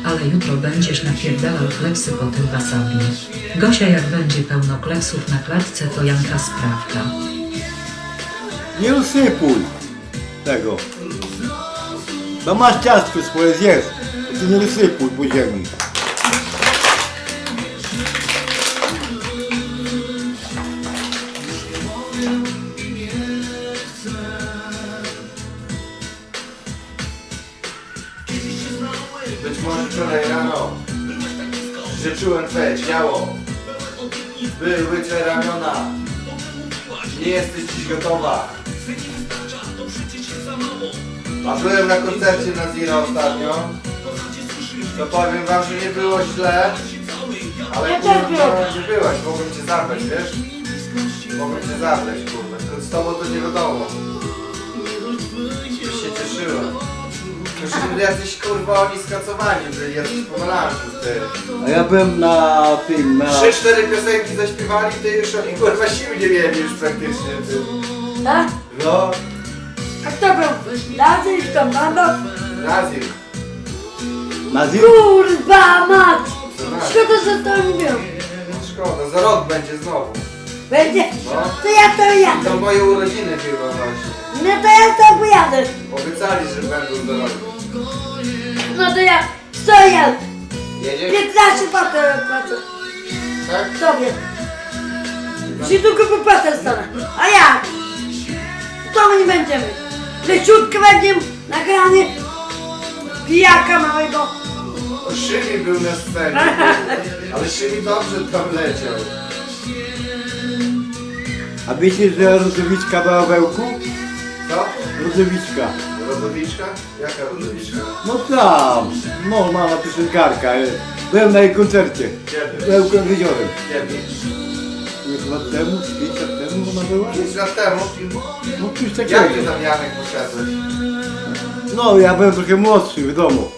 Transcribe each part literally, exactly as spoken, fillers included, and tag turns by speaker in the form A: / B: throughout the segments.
A: ale jutro będziesz napierdalał kleksy po tym wasabi. Gosia, jak będzie pełno kleksów na klatce, to Janka sprawka.
B: Nie usypuj tego. No masz ciastko swoje, zjedz. To ty nie usypuj po ziemi.
C: Być może wczoraj rano życzyłem twoje ciało. Były twoje ramiona. Nie jesteś dziś gotowa. A byłem na koncercie na Zira ostatnio. To powiem wam, że nie było źle. Ale
D: Ja
C: kurwa,
D: też byłem.
C: nie byłaś, mogłem cię zabrać, wiesz? Mogłem cię zabrać, kurwa. To z tobą to nie wiadomo. Byś się cieszyła. Już jacyś kurwa oni skacowani byli, jacyś pomalanci, ty.
B: A ja byłem na tym, na...
C: Trzy, cztery piosenki zaśpiewali, ty już oni kurwa sił nie mieli już praktycznie, ty.
D: Tak?
C: No,
D: A kto był? Lazy czy tam banda?
C: Nazir.
B: Na zim...
D: Kurwa mać! Szkoda, że to nie było.
C: Szkoda, za rok będzie znowu.
D: Będzie?
C: No.
D: To ja to jadę.
C: To moje urodziny chyba właśnie.
D: No to ja to pojadę.
C: Obiecali, że będą za rok.
D: No to ja sto jadę.
C: Jedziesz?
D: piętnaście patę płacę.
C: Tak?
D: Tobie. Ci tylko wypłatę stanę. A jak? To my nie będziemy. Leciutko będziemy nagrany. Pijaka małego.
C: O, Szymi był na scenie. Ale Szymi dobrze tam leciał.
B: A wiecie, że Rodowiczka była w Ełku?
C: Co?
B: Rodowiczka.
C: Rodowiczka? Jaka rodowiczka?
B: No tam, normalna piosenkarka. Byłem na jej koncercie.
C: Kiedy?
B: W Ełku nad jeziorem.
C: Kiedy?
B: Już lat temu, pięć lat temu ona była?
C: pięć lat temu?
B: No coś
C: Jak ty
B: takiego.
C: tam Janek poszedłeś?
B: No ja byłem trochę młodszy, wiadomo.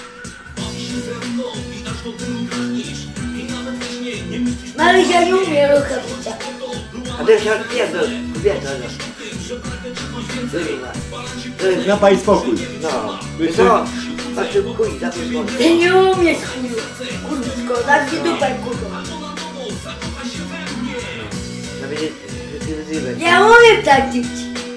D: Marysia nie umie ruchawica.
E: A to się odpierdol, kobieta, no. Wyrywa. Wyrywa.
B: Na pani spokój.
E: No.
B: Wiecie?
E: Co? Patrz, chuj, za tym bądź.
D: Ty nie umiesz chuju. Kurwisko, daj mi dupę kurwa.
E: No będzie, że ty wyzywaj.
D: Ja umiem tak dzić.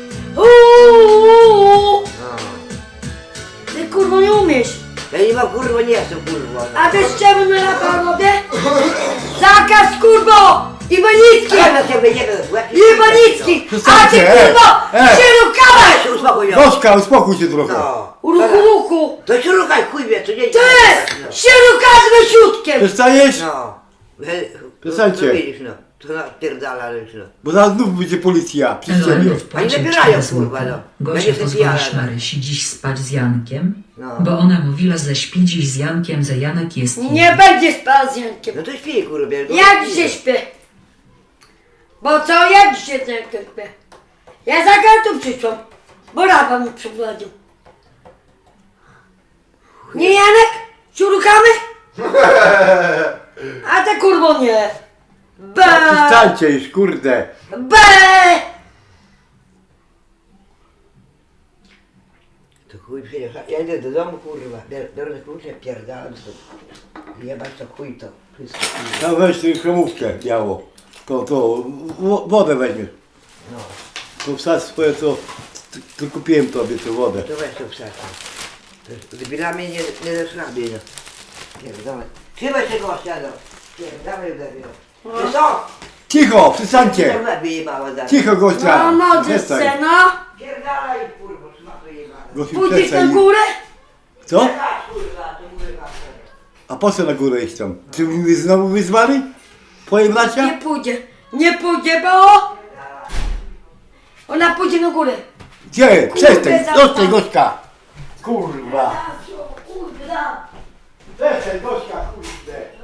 D: Uuu.
E: No.
D: Ty kurwa nie umiesz.
E: Ja nie mam kurwa, nie jestem kurwa. No.
D: A wiesz czemu na lata robię? Zakaz kurwo! Iwanicki!
E: Ja na ciebie nie wiem, łeb-
D: Iwanicki! A ty
B: Przestańcie, e,
D: kurwo!
B: e.
D: Się rukałeś!
E: Ja się uspokój, no.
B: Gośka, uspokój się trochę.
E: No.
D: Ruchu, ruchu!
E: To się rukaj, chuj wie, co nie
D: Ty!
E: no.
D: Się rukasz wysiutkiem!
B: Przestaniesz?
E: No.
B: Przestańcie.
E: No widzisz, no. To napierdala już, no.
B: Bo zaraz znów będzie policja przy ścianie.
A: Elony
E: Oni
A: wpłacił
E: zabierają,
A: cztery
E: kurwa,
A: złote.
E: no.
A: Gosia,
E: Będzie sobie
A: pozwolisz
E: pijana.
A: Marysi dziś spać z Jankiem?
E: No.
A: Bo ona mówiła, że śpi dziś z Jankiem, że Janek jest
D: Nie
A: jej.
D: będzie spał z Jankiem.
E: No to śpi, kurwa. bo-
D: Ja dzisiaj śpię. Bo co ja dzisiaj z Jankiem śpię? Ja za kartą przyszłam. Bo raba mi przyprowadził. Nie Janek? Szurukamy? A te kurwo nie. Be!
B: Przestańcie już, kurde.
D: Be!
E: To chuj przecież, ja idę do domu, kurwa, biorę biorę te klucze, pierdalam to. Jebać to chuj to, wszystko. Kurwa.
B: No weź tę kremówkę biało. To, to, wo- wodę weźmiesz.
E: No,
B: To wsadź swoje, to, to kupiłem tobie tę wodę.
E: to weź to wsadź. To z debilami nie, nie zaszlabię, no. Pierdolę. Trzymaj się gościa, no. Pierdolę w lewie, no. Ty co?
B: Cicho, przestańcie.
E: To lepiej jebała zaraz.
B: Cicho, gościa.
D: No modzyce, no.
E: Pierdalaj, kurwa, szmato jebana.
B: Gościu,
D: Pójdziesz na
B: przestań.
D: górę?
B: Co?
E: Patrz, kurwa, to kurwa.
B: A po co na górę iść tam? Czy wy znowu wyzwali? Twoje
D: Nie
B: bracia?
D: pójdzie. Nie pójdzie, bo... Ona pójdzie na górę.
B: Gdzie? Przestań,
D: za-
B: zostań, gośka. Kurwa.
D: Kurwa.
B: Przestań, gośka, kurde.